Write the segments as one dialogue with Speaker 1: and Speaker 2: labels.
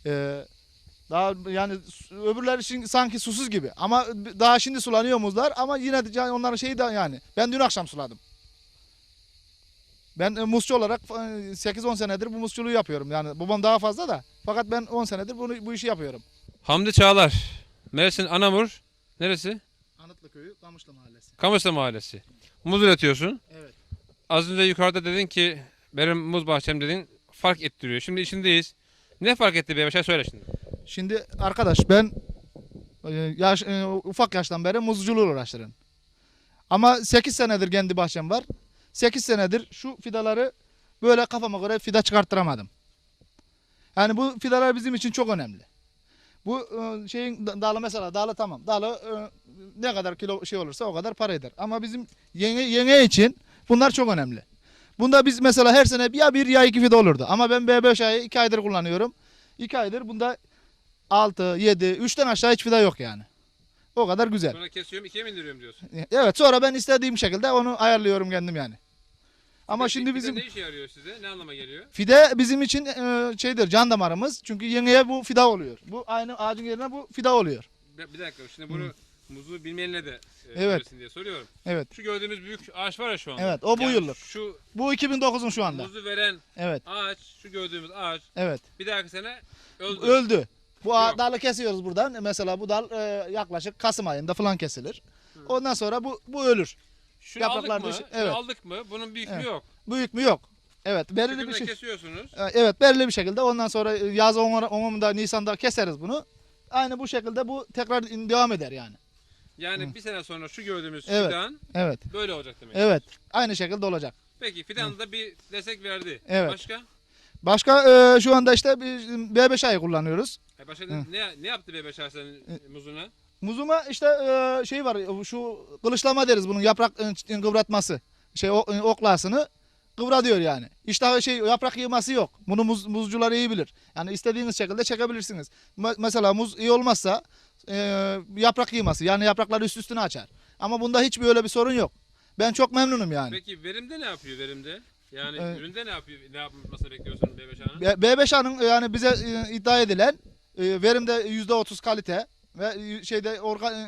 Speaker 1: Ee, Daha yani öbürleri şimdi sanki susuz gibi ama daha şimdi sulanıyor muzlar ama yine de onların şeyi de yani ben dün akşam suladım. Ben muzcu olarak 8-10 senedir bu muzculuğu yapıyorum. Yani babam daha fazla da fakat ben 10 senedir bu işi yapıyorum.
Speaker 2: Hamdi Çağlar. Mersin Anamur. Neresi?
Speaker 1: Anıtlı Köyü, Kamışlı Mahallesi.
Speaker 2: Kamışlı Mahallesi. Muz üretiyorsun.
Speaker 1: Evet.
Speaker 2: Az önce yukarıda dedin ki benim muz bahçem dedin fark ettiriyor. Şimdi içindeyiz. Ne fark etti be? Bir şey söyle şimdi.
Speaker 1: Şimdi arkadaş ben ufak yaştan beri muzculuğuyla uğraşırım. Ama 8 senedir kendi bahçem var. 8 senedir şu fidaları böyle kafama göre fida çıkarttıramadım. Yani bu fidalar bizim için çok önemli. Bu şeyin dalı mesela dalı tamam. Dalı ne kadar kilo şey olursa o kadar para eder. Ama bizim yenge için bunlar çok önemli. Bunda biz mesela her sene ya bir ya iki fide olurdu. Ama ben B5A'yı 2 aydır kullanıyorum. 2 aydır bunda 6, 7, 3'ten aşağı hiç fide yok yani. O kadar güzel.
Speaker 2: Sonra kesiyorum ikiye mi indiriyorum diyorsun.
Speaker 1: Evet sonra ben istediğim şekilde onu ayarlıyorum kendim yani. Ama
Speaker 2: Peki,
Speaker 1: şimdi
Speaker 2: fide
Speaker 1: bizim
Speaker 2: ne işe yarıyor size? Ne anlama geliyor?
Speaker 1: fide bizim için şeydir can damarımız. Çünkü yengeye bu fida oluyor. Bu aynı ağacın yerine bu fida oluyor.
Speaker 2: Bir dakika şimdi bunu muzu bilmeyenle de
Speaker 1: Evet.
Speaker 2: söylesin diye soruyorum.
Speaker 1: Evet.
Speaker 2: Şu gördüğümüz büyük ağaç var ya şu anda.
Speaker 1: Evet, o bu yıllık.
Speaker 2: Şu
Speaker 1: Bu 2009'un şu anda.
Speaker 2: muzu veren
Speaker 1: Evet.
Speaker 2: ağaç, şu gördüğümüz ağaç
Speaker 1: Evet.
Speaker 2: bir dahaki sene öldü.
Speaker 1: Öldü. Bu
Speaker 2: Yok.
Speaker 1: dalı kesiyoruz buradan. Mesela bu dal yaklaşık Kasım ayında falan kesilir. Ondan sonra bu ölür.
Speaker 2: Şunu
Speaker 1: Yapraklar
Speaker 2: aldık mı?
Speaker 1: dışı-
Speaker 2: Şunu
Speaker 1: evet.
Speaker 2: aldık mı? Bunun büyüklüğü
Speaker 1: Evet.
Speaker 2: yok.
Speaker 1: Büyük mü yok. Evet, belirli bir
Speaker 2: Tükürüğünü
Speaker 1: şey.
Speaker 2: kesiyorsunuz.
Speaker 1: Evet, belirli bir şekilde ondan sonra yaz 10'unda Nisan'da keseriz bunu. Aynı bu şekilde bu tekrar devam eder yani.
Speaker 2: Yani bir sene sonra şu gördüğümüz
Speaker 1: Evet.
Speaker 2: fidan
Speaker 1: Evet.
Speaker 2: böyle olacak demek.
Speaker 1: Evet. Aynı şekilde olacak.
Speaker 2: Peki fidan da bir destek verdi.
Speaker 1: Evet.
Speaker 2: Başka?
Speaker 1: Başka şu anda işte B5A'yı kullanıyoruz.
Speaker 2: Başka
Speaker 1: Hı.
Speaker 2: ne yaptı be senin muzuna?
Speaker 1: Muzuma işte şey var şu kılıçlama deriz bunun yaprak kıvratması. Şey oklasını kıvra diyor yani. İşte şey yaprak yığması yok. Bunu muzcular iyi bilir. Yani istediğiniz şekilde çekebilirsiniz. Mesela muz iyi olmazsa yaprak yığması yani yaprakları üst üstüne açar. Ama bunda hiçbir öyle bir sorun yok. Ben çok memnunum yani.
Speaker 2: Peki verimde ne yapıyor verimde? Yani
Speaker 1: Evet.
Speaker 2: üründe ne yapıyor? Ne yapmasını bekliyorsun B5A'nın?
Speaker 1: B5A'nın yani bize iddia edilen verimde %30 kalite ve şeyde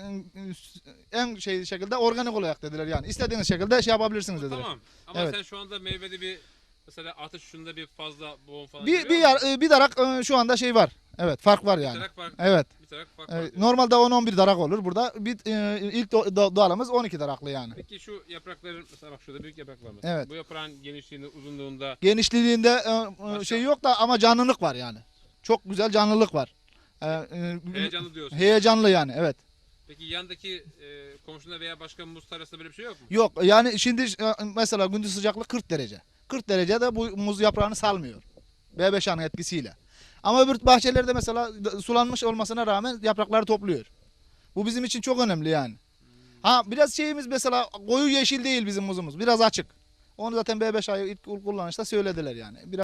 Speaker 1: en şey şekilde organik olarak dediler yani. İstediğiniz şekilde şey yapabilirsiniz dediler.
Speaker 2: Tamam. Ama
Speaker 1: Evet.
Speaker 2: sen şu anda meyvede bir mesela atış şunda bir fazla boğum falan
Speaker 1: Bir
Speaker 2: görüyor musun?
Speaker 1: bir darak şu anda şey var. Evet, fark var yani.
Speaker 2: Bir tarak fark.
Speaker 1: Evet.
Speaker 2: Bir tarak fark var.
Speaker 1: Normalde 10-11 darak olur. Burada ilk doğalımız 12 daraklı yani.
Speaker 2: Peki şu yaprakların mesela bak şurada büyük yaprak var mesela.
Speaker 1: Evet.
Speaker 2: Bu yaprağın genişliğinde, uzunluğunda
Speaker 1: Genişliğinde
Speaker 2: Başka?
Speaker 1: şey yok da ama canlılık var yani. Çok güzel canlılık var.
Speaker 2: heyecanlı diyorsun.
Speaker 1: Heyecanlı yani evet.
Speaker 2: Peki yandaki komşunda veya başka muz tarlasında böyle bir şey yok mu?
Speaker 1: Yok yani şimdi mesela gündüz sıcaklık 40 derece. 40 derecede bu muz yaprağını salmıyor. B5A'nın etkisiyle. Ama öbür bahçelerde mesela sulanmış olmasına rağmen yaprakları topluyor. Bu bizim için çok önemli yani. Ha biraz şeyimiz mesela koyu yeşil değil bizim muzumuz. Biraz açık. Onu zaten B5A'yı ilk kullanışta söylediler yani. Biraz